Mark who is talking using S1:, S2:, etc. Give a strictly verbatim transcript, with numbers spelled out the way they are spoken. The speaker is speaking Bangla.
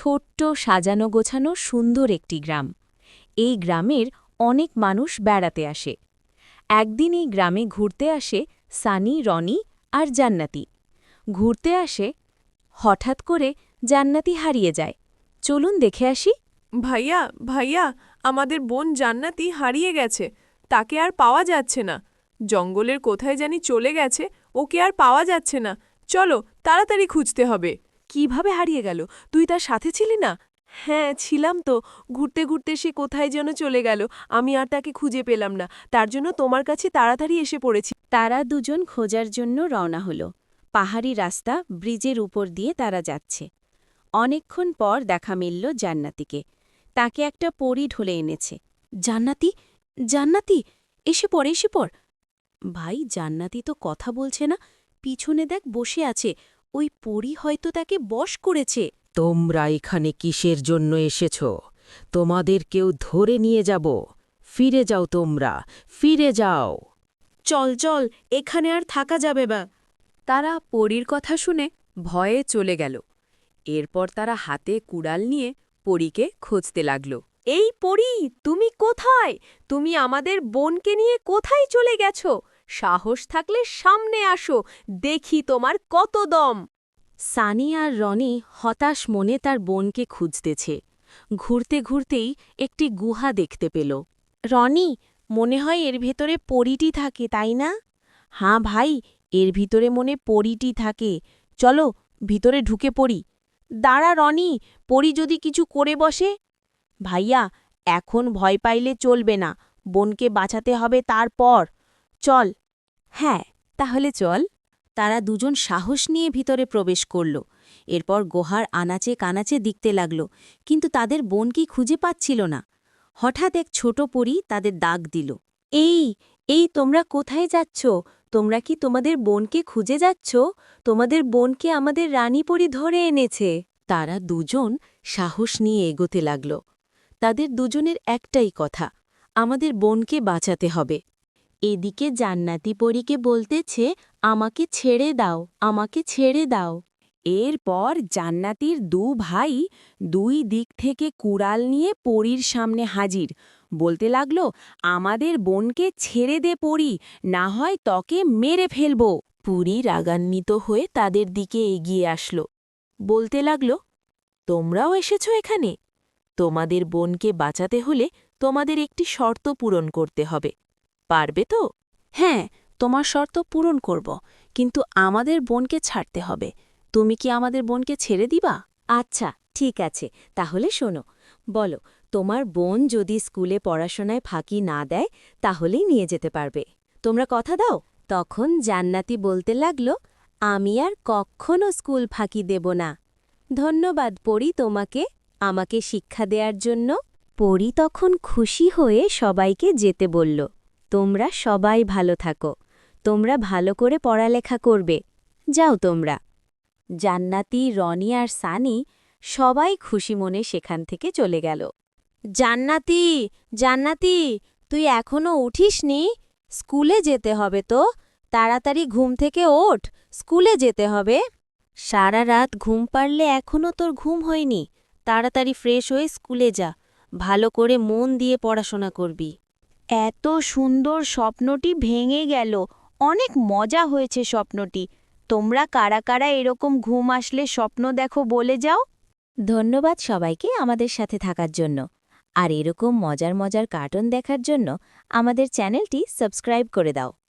S1: ছোট্ট সাজানো গোছানো সুন্দর একটি গ্রাম। এই গ্রামের অনেক মানুষ বেড়াতে আসে। একদিন এই গ্রামে ঘুরতে আসে সানি, রনি আর জান্নাতি। ঘুরতে আসে, হঠাৎ করে জান্নাতি হারিয়ে যায়। চলুন দেখে আসি।
S2: ভাইয়া ভাইয়া আমাদের বোন জান্নাতি হারিয়ে গেছে। তাকে আর পাওয়া যাচ্ছে না। জঙ্গলের কোথায় জানি চলে গেছে, ওকে আর পাওয়া যাচ্ছে না। চলো তাড়াতাড়ি খুঁজতে হবে। কিভাবে হারিয়ে গেল? তুই তার সাথে ছিলি না? হ্যাঁ ছিলাম তো। ঘুরতে ঘুরতে সে কোথায় যেন চলে গেল। আমি আর তাকে খুঁজে পেলাম না, তার জন্য তোমার কাছে তাড়াতাড়ি এসে পড়েছি।
S1: তারা দুজন খোঁজার জন্য রওনা হল। পাহাড়ি রাস্তা, ব্রিজের উপর দিয়ে তারা যাচ্ছে। অনেকক্ষণ পর দেখা মিলল জান্নাতিকে। তাকে একটা পরী ঢলে এনেছে। জান্নাতি, জান্নাতি, এসে পড়, এসে পড়। ভাই, জান্নাতি তো কথা বলছে না। পিছনে দেখ, বসে আছে। ওই পরী হয়তো তাকে বশ করেছে।
S3: তোমরা এখানে কিসের জন্য এসেছ? তোমাদের কেউ ধরে নিয়ে যাব। ফিরে যাও, তোমরা ফিরে যাও।
S1: চল চল, এখানে আর থাকা যাবে না। তারা পরীর কথা শুনে ভয়ে চলে গেল। এরপর তারা হাতে কুড়াল নিয়ে পরীকে খুঁজতে লাগল।
S2: এই পরী, তুমি কোথায়? তুমি আমাদের বোনকে নিয়ে কোথায় চলে গেছ? সাহস থাকলে সামনে আসো, দেখি তোমার কত দম।
S1: সানি আর রনি হতাশ মনে তার বোনকে খুঁজতেছে। ঘুরতে ঘুরতেই একটি গুহা দেখতে পেল। রনি, মনে হয় এর ভেতরে পরীটি থাকে, তাই না? হাঁ ভাই, এর ভিতরে মনে পরীটি থাকে। চলো ভিতরে ঢুকে পড়ি। দাঁড়া রনি, পরী যদি কিছু করে বসে। ভাইয়া, এখন ভয় পাইলে চলবে না। বোনকে বাঁচাতে হবে তারপর। চল। হ্যাঁ, তাহলে চল। তারা দুজন সাহস নিয়ে ভিতরে প্রবেশ করল। এরপর গুহার আনাচে কানাচে দেখতে লাগল, কিন্তু তাদের বোনকে খুঁজে পাচ্ছিল না। হঠাৎ এক ছোট পরী তাদের ডাক দিল। এই, এই তোমরা কোথায় যাচ্ছ? তোমরা কি তোমাদের বোনকে খুঁজে যাচ্ছ? তোমাদের বোনকে আমাদের রানী পরী ধরে এনেছে। তারা দুজন সাহস নিয়ে এগোতে লাগল। তাদের দুজনের একটাই কথা, আমাদের বোনকে বাঁচাতে হবে। এদিকে জান্নাতি পরীকে বলতেছে, আমাকে ছেড়ে দাও, আমাকে ছেড়ে দাও। এরপর জান্নাতির দু ভাই দুই দিক থেকে কুড়াল নিয়ে পরীর সামনে হাজির। বলতে লাগল, আমাদের বোনকে ছেড়ে দে পরী, না হয় তোকে মেরে ফেলব। পরী রাগান্বিত হয়ে তাদের দিকে এগিয়ে আসল। বলতে লাগল, তোমরাও এসেছ এখানে? তোমাদের বোনকে বাঁচাতে হলে তোমাদের একটি শর্ত পূরণ করতে হবে। পারবে তো? হ্যাঁ, তোমার শর্ত পূরণ করব, কিন্তু আমাদের বোনকে ছাড়তে হবে। তুমি কি আমাদের বোনকে ছেড়ে দিবা? আচ্ছা, ঠিক আছে, তাহলে শোনো। বলো, তোমার বোন যদি স্কুলে পড়াশোনায় ফাঁকি না দেয়, তাহলেই নিয়ে যেতে পারবে। তোমরা কথা দাও? তখন জান্নাতি বলতে লাগল, আমি আর কখনো স্কুল ফাঁকি দেব না। ধন্যবাদ পরী তোমাকে, আমাকে শিক্ষা দেওয়ার জন্য। পরী তখন খুশি হয়ে সবাইকে যেতে বলল। তোমরা সবাই ভালো থাকো, তোমরা ভালো করে পড়ালেখা করবে। যাও তোমরা। জান্নাতি, রনি আর সানি সবাই খুশি মনে সেখান থেকে চলে গেল। জান্নাতি, জান্নাতি, তুই এখনো উঠিসনি? স্কুলে যেতে হবে তো। তাড়াতাড়ি ঘুম থেকে ওঠ, স্কুলে যেতে হবে। সারা রাত ঘুম পারলে এখনো তোর ঘুম হয়নি। তাড়াতাড়ি ফ্রেশ হয়ে স্কুলে যা, ভালো করে মন দিয়ে পড়াশোনা করবি। এত সুন্দর স্বপ্নটি ভেঙে গেল। অনেক মজা হয়েছে স্বপ্নটি। তোমরা কারা কারা এরকম ঘুম আসলে স্বপ্ন দেখো বলে যাও। ধন্যবাদ সবাইকে আমাদের সাথে থাকার জন্য। আর এরকম মজার মজার কার্টুন দেখার জন্য আমাদের চ্যানেলটি সাবস্ক্রাইব করে দাও।